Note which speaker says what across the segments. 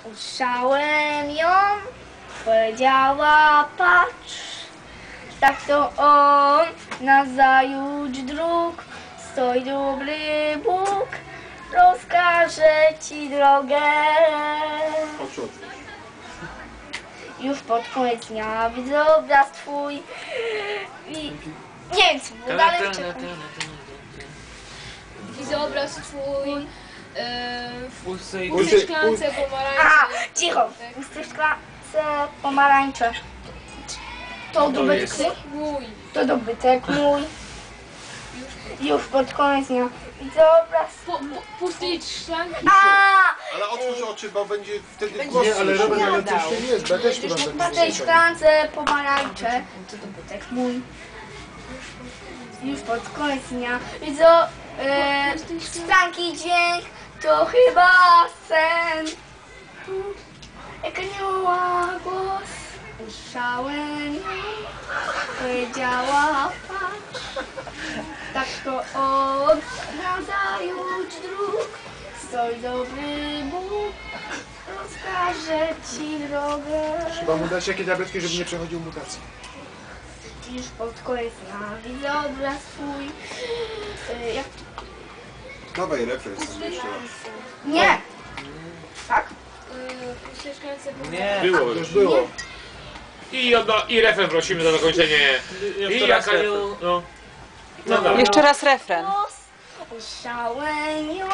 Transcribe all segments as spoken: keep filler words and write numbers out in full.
Speaker 1: Usłyszałem ją, powiedziała patrz, tak to on, nazajutrz dróg, stoi dobry Bóg, rozkaże ci drogę. Już pod koniec dnia widzę obraz twój i nie wiem co dalej czekam.
Speaker 2: Widzę obraz twój w pustej szklance pomarańczy.
Speaker 1: A, cicho! W pustej szklance pomarańcze. To dobytek
Speaker 2: mój.
Speaker 1: To dobytek mój. Już pod koniec dnia widzę obraz.
Speaker 2: Po, po, pustej szklanki.
Speaker 1: A!
Speaker 3: Ale otwórz oczy, bo będzie wtedy
Speaker 4: Będzie
Speaker 3: głos.
Speaker 4: nie, ale Robert, ale
Speaker 1: śmiadał.
Speaker 4: coś tu jest, bo ja też tu mam
Speaker 1: W
Speaker 4: taki
Speaker 1: tej szklance pomarańcze. To dobytek mój. Już pod koniec dnia widzę e, szklanki dźwięk. To chyba sen. Jak anioła głos. Usłyszałem ją. Powiedziała patrz. Tak to on nazajutrz dróg. Stoi dobry Bóg. Rozkaże ci drogę.
Speaker 4: Trzeba mu dać jakie tabletki, żeby nie przechodził mutacji.
Speaker 1: Już pod koniec dnia widzę obraz twój. Y, jak...
Speaker 3: Dawaj refreks sobie jeszcze raz.
Speaker 1: Nie! Tak?
Speaker 2: W pustej szklance
Speaker 5: Nie.
Speaker 6: Było
Speaker 4: Już
Speaker 6: już.
Speaker 4: było.
Speaker 6: I, odno, i refren prosimy za zakończenie. I jaka nie... No. No dobra.
Speaker 7: Jeszcze raz refren.
Speaker 1: Głos. Usłyszałem ją.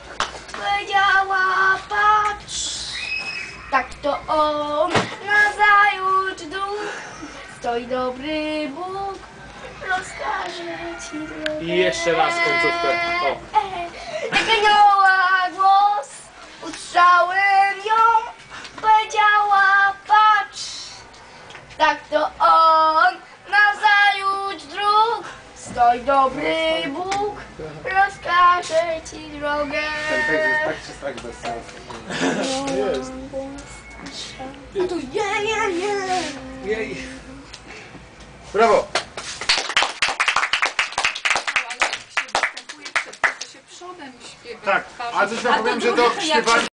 Speaker 1: Powiedziała patrz. Tak to on nazajutrz dróg. Stoi dobry Bóg. Rozkaże ci drogę.
Speaker 6: I jeszcze raz końcówkę. O.
Speaker 1: Jak anioła głos. Usłyszałem ją. Powiedziała patrz. Tak to on nazajutrz dróg. Stoi dobry Bóg. Rozkaże ci drogę.
Speaker 4: Ten tekst jest tak czy tak bez sensu. Jest.
Speaker 1: A tu nie, nie, nie.
Speaker 4: Jej. Brawo!
Speaker 8: Ale jak się występuje przed, to się przodem śpiewa.
Speaker 4: Tak, a coś wam powiem, że to śpiewanie